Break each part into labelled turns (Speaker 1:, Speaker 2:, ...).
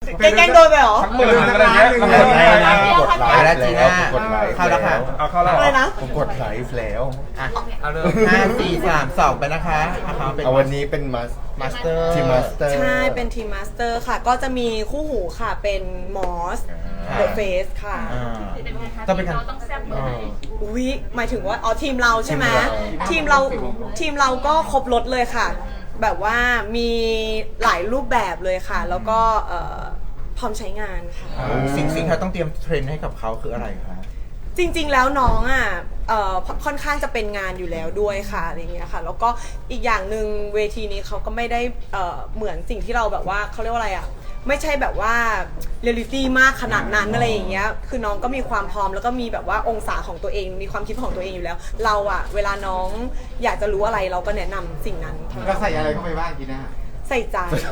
Speaker 1: แกล้งโดนไปเหรอ
Speaker 2: ทั้งหมื่นอะไรเงี้ย
Speaker 3: กดไลค์แล้วจีน่า
Speaker 4: กดไลค์
Speaker 3: เข้าแล้วค่ะ
Speaker 2: เอาเข้าแล้ว
Speaker 1: อะไรนะ
Speaker 4: ผมกดไลฟ์แล้ว
Speaker 3: อ่ะ
Speaker 2: เอาเลย
Speaker 3: 5 4 3 2ไปนะคะเป็น
Speaker 4: เอาวันนี้เป็น
Speaker 3: มาสเตอร์
Speaker 4: ทีมมาสเตอร์
Speaker 1: ใช่เป็นทีมมาสเตอร์ค่ะ ก็จะมีคู่หูค่ะเป็นมอสเดอะเฟสค่ะ
Speaker 3: ต้องเป็นการ
Speaker 5: ต้องแซ่บเมื่อไหร่
Speaker 1: อุ๊ยหมายถึงว่าอ๋อทีมเราใช่ไหม
Speaker 4: ที
Speaker 1: ทีม
Speaker 4: ม
Speaker 1: เรา
Speaker 4: เรา
Speaker 1: ทีมเราก็ครบรถเลยค่ะ แบบว่ามีหลายรูปแบบเลยค่ะ แล้วก็พร้อมใช้งานค่ะ
Speaker 3: สิ่งที่เราต้องเตรียมเทรนให้กับเขาคืออะไรคะ
Speaker 1: จริงๆ แล้วน้องอ่ะค่อนข้างจะเป็นงานอยู่แล้วด้วยค่ะอะไรเงี้ยค่ะ แล้วก็อีกอย่างหนึ่งเวทีนี้เขาก็ไม่ได้เหมือนสิ่งที่เราแบบว่าเขาเรียกว่าอะไรอ่ะไม่ใช่แบบว่าเรียลลิตี้มากขนาดนั้นอะไรอย่างเงี้ยคือน้องก็มีความพร้อมแล้วก็มีแบบว่าองศาของตัวเองมีความคิดของตัวเองอยู่แล้ว เราอ่ะเวลาน้องอยากจะรู้อะไรเราก็แนะนำสิ่งนั้น
Speaker 6: เราใส่อะไรเข้าไปบ้างจีน่า
Speaker 1: ใส่ใจ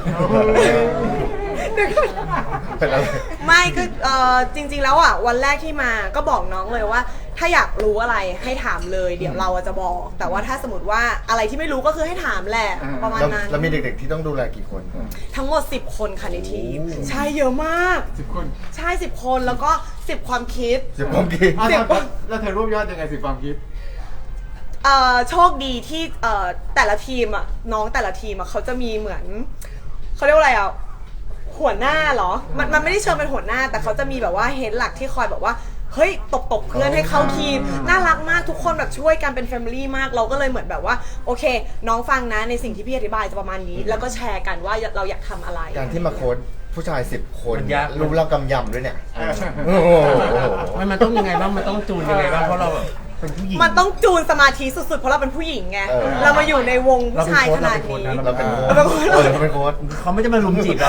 Speaker 4: เป็นอะไร
Speaker 1: ไม่คือจริงๆแล้วอ่ะวันแรกที่มาก็บอกน้องเลยว่า ถ้าอยากรู้อะไรให้ถามเลยเดี๋ยวเราจะบอก แต่ว่าถ้าสมมติว่าอะไรที่ไม่รู้ก็คือให้ถามแหละประมาณนั้น
Speaker 4: แล้วมีเด็กๆที่ต้องดูแลกี่คนครับ
Speaker 1: ทั้งหมด10 คนค่ะในทีมใช่เยอะมาก
Speaker 6: 10 คน
Speaker 1: ใช่10 คนแล้วก็10 ความคิด
Speaker 4: 10คนกี่
Speaker 6: อ้าว
Speaker 1: เดี๋ยว
Speaker 6: แล้วเธอรวบยอดยังไง10 ความคิด
Speaker 1: โชคดีที่แต่ละทีมอ่ะน้องแต่ละทีมอ่ะเขาจะมีเหมือนเขาเรียกว่าอะไรอ่ะหัวหน้าเหรอมันไม่ได้เชิญเป็นหัวหน้า แต่เขาจะมีแบบว่าเฮดหลักที่คอยแบบว่าเฮ้ยตบเพื่อนให้เข้าทีมน่ารักมากทุกคนแบบช่วยกันเป็นแฟมิลี่มากเราก็เลยเหมือนแบบว่าโอเค น้องฟังนะในสิ่งที่พี่อธิบายจะประมาณนี้ แล้วก็แชร์กันว่าเราอยากทำอะไร
Speaker 4: การที่มาโค้ชผู้ชาย10 คน
Speaker 3: มันยาก
Speaker 4: รู้เรากำยำด้วยเนี่ย
Speaker 6: เออ
Speaker 4: โอ้โห
Speaker 3: มันต้องยังไงบ้างมันต้องจูนยังไงบ้างเพราะเราแบบเป็นผู้หญิง
Speaker 1: มันต้องจูนสมาธิสุดๆเพราะเราเป็นผู้หญิงไงเรามาอยู่ในวงผู้ชายขนาดนี้
Speaker 4: เราเป็นโค้ช
Speaker 1: เราเป็นโค้ช
Speaker 4: เราเป็นโค้ช
Speaker 3: เขาไม่จะมาลุมจีบแล้ว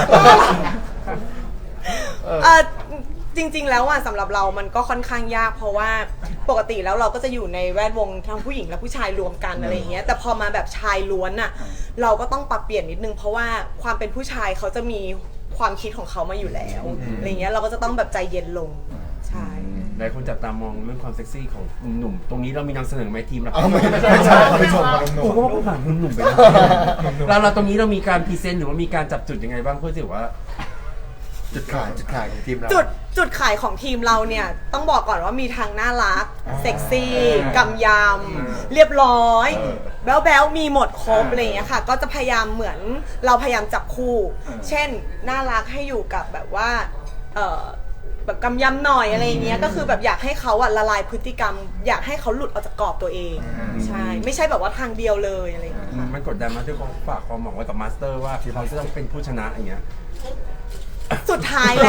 Speaker 1: จริงๆ แล้วอ่ะสำหรับเรามันก็ค่อนข้างยากเพราะว่าปกติแล้วเราก็จะอยู่ในแวดวงทั้งผู้หญิงและผู้ชายรวมกันอะไรอย่างเงี้ยแต่พอมาแบบชายล้วนอ่ะเราก็ต้องปรับเปลี่ยนนิดนึงเพราะว่าความเป็นผู้ชายเขาจะมีความคิดของเขามาอยู่แล้วอะไรเงี้ยเราก็จะต้องแบบใจเย็นลงใช่
Speaker 7: หลายคนจับตามองเรื่องความเซ็กซี่ของหนุ่มๆตรงนี้เรามีนำเสนอไหมทีมเรา
Speaker 4: เอาไม่ใช่เขาไปชมมา
Speaker 7: ผมก็ว่าผมผ่านหนุ่มๆไปแล้วเราตรงนี้เรามีการพรีเซนต์หรือว่ามีการจับจุดยังไงบ้างเพื่อที่ว่า
Speaker 4: จุดขายของทีมเรา
Speaker 1: จุดขายของทีมเราเนี่ยต้องบอกก่อนว่ามีทางน่ารักเซ็กซี่กำยำเรียบร้อยแบ๊วๆมีหมดครบอะไรอย่างเงี้ยค่ะก็จะพยายามเหมือนเราพยายามจับคู่ เช่นน่ารักให้อยู่กับแบบว่าแบบกำยำหน่อยอะไรอย่างเงี้ยก็คือแบบอยากให้เขาอะละลายพฤติกรรม อยากให้เขาหลุดออกจากกรอบตัวเองใช่ไม่ใช่แบบว่าทางเดียวเลยอะไรอย่างเงี้ยค่ะ
Speaker 7: มันกดดันมาที่เขาฝากความหวังไว้กับมาสเตอร์ว่าเขาจะต้องเป็นผู้ชนะอย่างเงี้ย
Speaker 1: สุดท้าย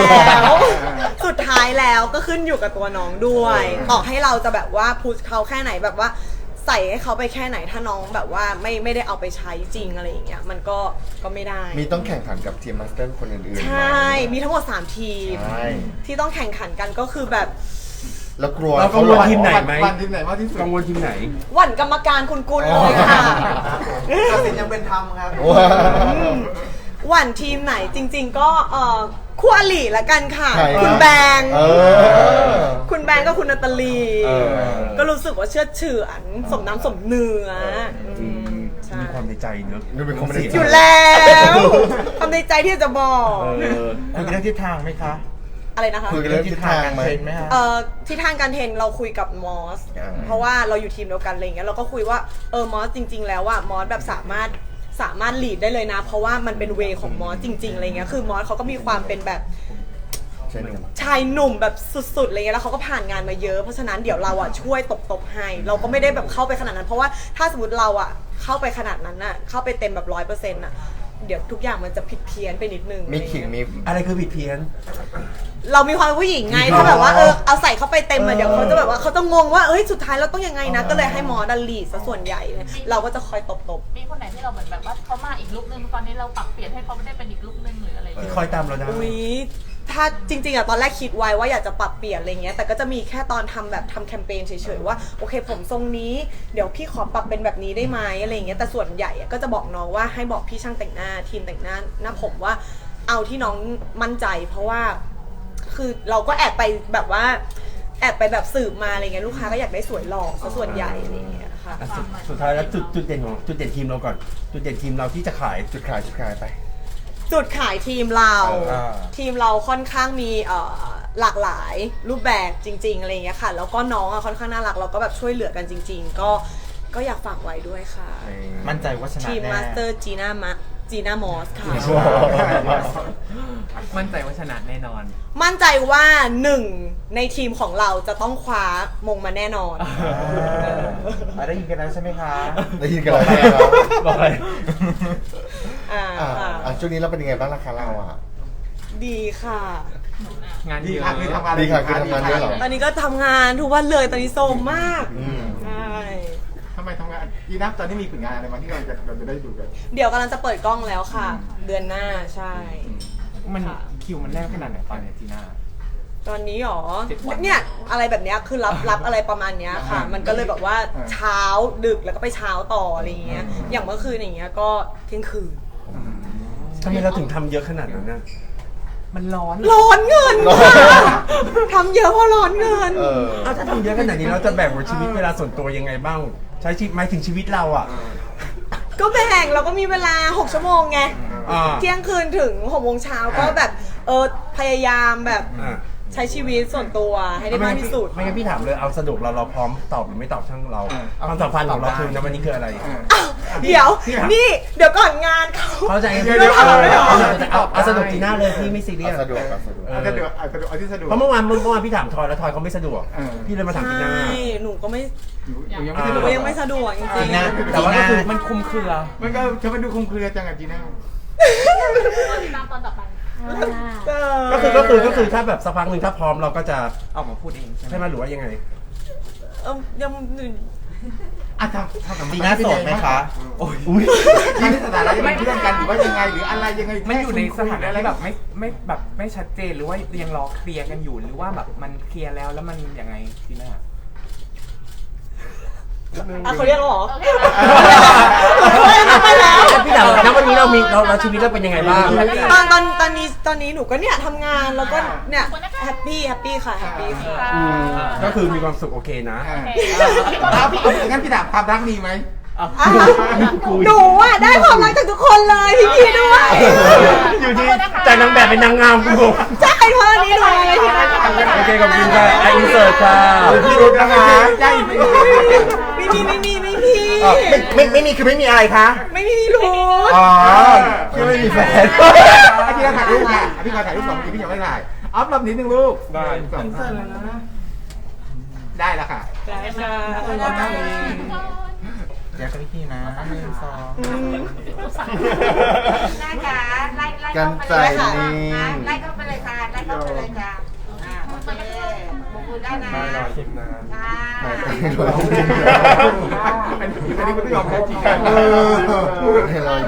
Speaker 1: แล้วก็ขึ้นอยู่กับตัวน้องด้วยต่อให้เราจะแบบว่าพุชเขาแค่ไหนแบบว่าใส่ให้เขาไปแค่ไหนถ้าน้องแบบว่าไม่ได้เอาไปใช้จริงอะไรอย่างเงี้ยมันก็ไม่ได้
Speaker 4: มีต้องแข่งขันกับทีมมาสเตอร์คนอื่นๆ
Speaker 1: ใช
Speaker 4: ไหม่
Speaker 1: มีทั้งหมด3ทีม
Speaker 4: ใช่
Speaker 1: ที่ต้องแข่งขันกันก็คือแบบ
Speaker 4: แล้วกลัว
Speaker 7: เรากังวลทีมไหนไหม
Speaker 6: วันทีมไหนมากที่สุด
Speaker 7: กังวลทีมไหน
Speaker 1: หวั่นกรรมการคุณกุลเลยค่ะ
Speaker 3: ตัดสินยังเป็นธรรมครับ
Speaker 4: ว้าว
Speaker 1: หวั่นทีมไหนจริง ๆ ก็คู่อริละกันค่ะ
Speaker 4: ใคร
Speaker 1: คุณแบงค์
Speaker 4: เออ
Speaker 1: คุณแบงค์ก็คุณนาตาลี
Speaker 4: เออ
Speaker 1: ก็รู้สึกว่าเชื่อเฉือนสมน้ำสมเนื้อใช่
Speaker 7: มีความในใจเนอะ
Speaker 4: ดูเป็นความในใจ
Speaker 1: อยู่แล้วทำในใจที่จะบอก
Speaker 3: คุยกันเรื่องทิศทางไหมคะ
Speaker 1: อะไรนะคะ
Speaker 4: คุยกันเรื่องทิศทางไหม
Speaker 3: เทรนไหมคะ
Speaker 1: ที่ทางการเทรนเราคุยกับมอส
Speaker 4: อ่า
Speaker 1: เพราะว่าเราอยู่ทีมเดียวกันอะไรเงี้ยเราก็คุยว่ามอสจริง ๆ แล้วว่ามอสแบบสามารถลีดได้เลยนะ เพราะว่ามันเป็นเวของมอสจริงๆอะไรเงี้ยคือมอสเขาก็มีความเป็นแบบ
Speaker 4: ใช่หนุ่ม
Speaker 1: ชายหนุ่มแบบสุดๆอะไรเงี้ยแล้วเขาก็ผ่านงานมาเยอะเพราะฉะนั้นเดี๋ยวเราอะช่วยตบให้เราก็ไม่ได้แบบเข้าไปขนาดนั้น เพราะว่าถ้าสมมติเราอะเข้าไปขนาดนั้นน่ะเข้าไปเต็มแบบ100%น่ะเดี๋ยวทุกอย่างมันจะผิดเพี้ยนไปนิดนึง
Speaker 4: มีขิงมี
Speaker 7: อะไรคือผิดเพี้ยน
Speaker 1: เรามีความเป็นผู้หญิงไงถ้าแบบว่าเอาใส่เข้าไปเต็มอะเดี๋ยวเขาจะแบบว่าเขาจะงงว่าเอ้ยสุดท้ายเราต้องยังไงนะก็เลยให้มอดัลลีดซะส่วนใหญ่เลยเราก็จะคอยตบ
Speaker 5: มีคนไหนที่เราเหมือนแบบว่าเขามาอีกลุคนึงตอนนี้เราปรับเปลี่ยนให้เขาไม่ได้เป็นอีกลุคนึงหรืออะไรอย่าง
Speaker 7: ที่
Speaker 5: เงี้ย
Speaker 7: คอยตามเราได้
Speaker 1: อุ้ยถ้าจริงๆอะตอนแรกคิดไว้ว่าอยากจะปรับเปลี่ยนอะไรเงี้ยแต่ก็จะมีแค่ตอนทำแคมเปญเฉยๆว่าโอเคผมทรงนี้เดี๋ยวพี่ขอปรับเป็นแบบนี้ได้ไหมอะไรเงี้ยแต่ส่วนใหญ่อะก็จะบอกน้องว่าให้บอกพี่ช่างแต่งหน้าทีมแต่งหน้าผมว่าเอาที่น้องมั่นใจ เพราะว่าคือเราก็แอบไปแบบว่าแอบไปแบบสืบมาอะไรเงี้ยลูกค้าก็อยากได้สวยหล่อซะส่วนใหญ่อะไรเงี้ยค่ะ
Speaker 7: อ่ะสุดท้ายแล้วจุดเด่นของจุดเด่นทีมเราก่อน จุดเด่นทีมเราที่จะขาย
Speaker 4: จุดขายไป
Speaker 1: จุดขายทีมเรา
Speaker 4: อ่า
Speaker 1: ทีมเราค่อนข้างมีหลากหลายรูปแบบจริงๆอะไรอย่างเงี้ยค่ะแล้วก็น้องค่อนข้างน่ารักเราก็แบบช่วยเหลือกันจริง ๆ ก็อยากฝากไว้ด้วยค่ะ
Speaker 4: มั่นใจว่าชนะ
Speaker 1: ทีม
Speaker 4: แน่
Speaker 1: มาสเตอร์จีน่ามอสค่ะ
Speaker 3: มั่นใจว่าชนะแน่นอน
Speaker 1: มั่นใจว่าหนึ่งในทีมของเราจะต้องคว้ามงมาแน่นอน
Speaker 4: ได้ยินกันแล้วใช่ไหมคะ ได้ยินกันแล้วใช่ไหมครับ
Speaker 7: บอกเลย
Speaker 4: ช่วงนี้เราเป็นยังไงบ้างล่ะคะเราอ่ะ
Speaker 1: ดีค่ะ
Speaker 3: งาน
Speaker 6: ดี
Speaker 3: เยอะ
Speaker 6: ค่ะคือทำงาน
Speaker 4: ดีค่ะคือทำงานเยอะเหรอ
Speaker 1: ตอนนี้ก็ทำงานทุกวันเลยตอนนี้โซมมาก
Speaker 4: อืม
Speaker 1: ใช่
Speaker 6: ทำไมทำงานดีนะตอนนี้มีผลงานอะไรมาที่เราจะได้ดูกัน
Speaker 1: เดี๋ยวกำลังจะเปิดกล้องแล้วค่ะ เดือนหน้าใช่
Speaker 3: มัน
Speaker 1: ค่ะ
Speaker 3: คิวมันแน่นขนาดไหนตอนเนี้ยจีน่า
Speaker 1: ตอนนี้หรอ
Speaker 3: 7 วัน
Speaker 1: เนี่ยอะไรแบบเนี้ยคือรับอะไรประมาณเนี้ยค่ะ มันก็เลยแบบว่าเช้าดึกแล้วก็ไปเช้าต่ออะไรอย่างเงี้ย อย่างเมื่อคืนอย่างเงี้ยก็เที่ยงคืน
Speaker 7: ทำไมเราถึงทำเยอะขนาดนั้นนะ
Speaker 3: มันร้อน
Speaker 1: ร้อนเงินค่ะทำเยอะเพราะร้อนเงิน
Speaker 4: เออ
Speaker 7: เอาถ้าทำเยอะขนาดนี้เราจะแบ่งชีวิตเวลาส่วนตัวยังไงบ้าง ใช้ชีวิตหมายถึงชีวิตเราอ่ะ
Speaker 1: ก็แบ่งเราก็มีเวลา 6 ชั่วโมงไง
Speaker 7: อ่า
Speaker 1: เที่ยงคืนถึง6 โมงเช้าก็แบบพยายามแบบ
Speaker 7: อ่า
Speaker 1: ใช้ชีวิตส่วนตัวให้ได้มากที่สุด
Speaker 7: ไม่งั้นพี่ถามเลยเอาสะดวกเราพร้อมตอบหรือไม่ตอบช่างเราความสัมพันธ์ของเราคือในวันนี้คืออะไร
Speaker 1: เดี๋ยวนี่เดี๋ยวก่อนงานเขา
Speaker 7: เข้าใจกัน
Speaker 1: เดี๋ยว
Speaker 7: เอาสะดวกจีน่าเลยพี่ไม่ซีเรียส
Speaker 4: สะดวกครับสะดวก
Speaker 6: เอาสะดวกเอาที่สะดวก
Speaker 7: เพราะเมื่อวานพี่ถามทอยแล้วทอยเขาไม่สะดวก พี่เลยมาถามจีน่า
Speaker 1: ใช่หนูก็ไม่
Speaker 6: หนูยัง
Speaker 1: หนู
Speaker 6: ไม่
Speaker 1: ยังไม่สะดวกจริง
Speaker 4: จีน่า
Speaker 1: ๆ
Speaker 3: แต่ว่าก็คือมันคุมเครือ
Speaker 6: มันก็จะมาดูคลุมเครือจังกับจีน่า
Speaker 5: ติดตามตอนต่อไป
Speaker 7: ก็คือถ้าแบบสักพักหนึ่งถ้าพร้อมเราก็จะ
Speaker 3: ออกมาพูดเองใช่ไหม
Speaker 7: ใช่ไหมหรือว่ายังไง
Speaker 1: ยัง
Speaker 6: อ่ะทำ
Speaker 4: จีน่าโสดไหมคะ
Speaker 6: โอ้ยจีน่าสถานะยังเป็นเพื่อนกันหรือว่ายังไงหรืออะไรยังไง
Speaker 3: มันอยู่ในสถานะ
Speaker 6: อะไร
Speaker 3: ที่แบบไม่แบบไม่ชัดเจนหรือว่ายังรอเคลียร์กันอยู่หรือว่าแบบมันเคลียร์แล้วมันยังไงจีน่า
Speaker 1: เขาเรียกแล้วเหรอ
Speaker 5: โอเค
Speaker 1: ไปแล้ว
Speaker 7: พี่ถามณวันนี้เราชีวิตเราเป็นยังไงบ้าง
Speaker 1: ตอนนี้หนูก็เนี่ยทำงานแล้วก็เนี่ยแฮปปี้ค่ะแฮปปี้ค่ะ
Speaker 7: ก็คือมีความสุขโอเคนะ
Speaker 6: งั้นพี่ถามความรักมีไหม
Speaker 1: หนูอ่ะได้ความรักจากทุกคนเลยพี่ด้วย
Speaker 7: อยู่ที่จากนางแบบเป็นนางงามกูบอก
Speaker 1: ใช่เพราะอันนี้เลย
Speaker 7: โอเคขอบคุณค่ะอินเสิร์ตค่ะ
Speaker 6: พี่รุ้นะคะใช่
Speaker 1: ไม่มี
Speaker 4: ไม่มีคือไม่มีอะไรคะ
Speaker 1: ไม่มีรู้
Speaker 4: อ๋อคือไม่มีแฟน
Speaker 6: พี่ก็ถ่ายรูปค่ะพี่ก็ถ่ายรูป2 ทีพี่ยังไม่ถ่ายออฟรอบนิดนึงลูกได้ได้แล้วค่ะ
Speaker 1: ได้ค่ะ
Speaker 4: อยากกับพี่นะ1
Speaker 2: ได้ค่ะไล่
Speaker 4: 2กันใจนิ่ง
Speaker 2: ไล่เข้าไปเลยค่ะไล่เข้าไปเลยค่ะโอเคบุกมือได้นะ
Speaker 7: รอชิมนะ
Speaker 2: ค่ะ
Speaker 6: อันนี้คุณไม่ยอมแพ้จริง
Speaker 4: ให้เรา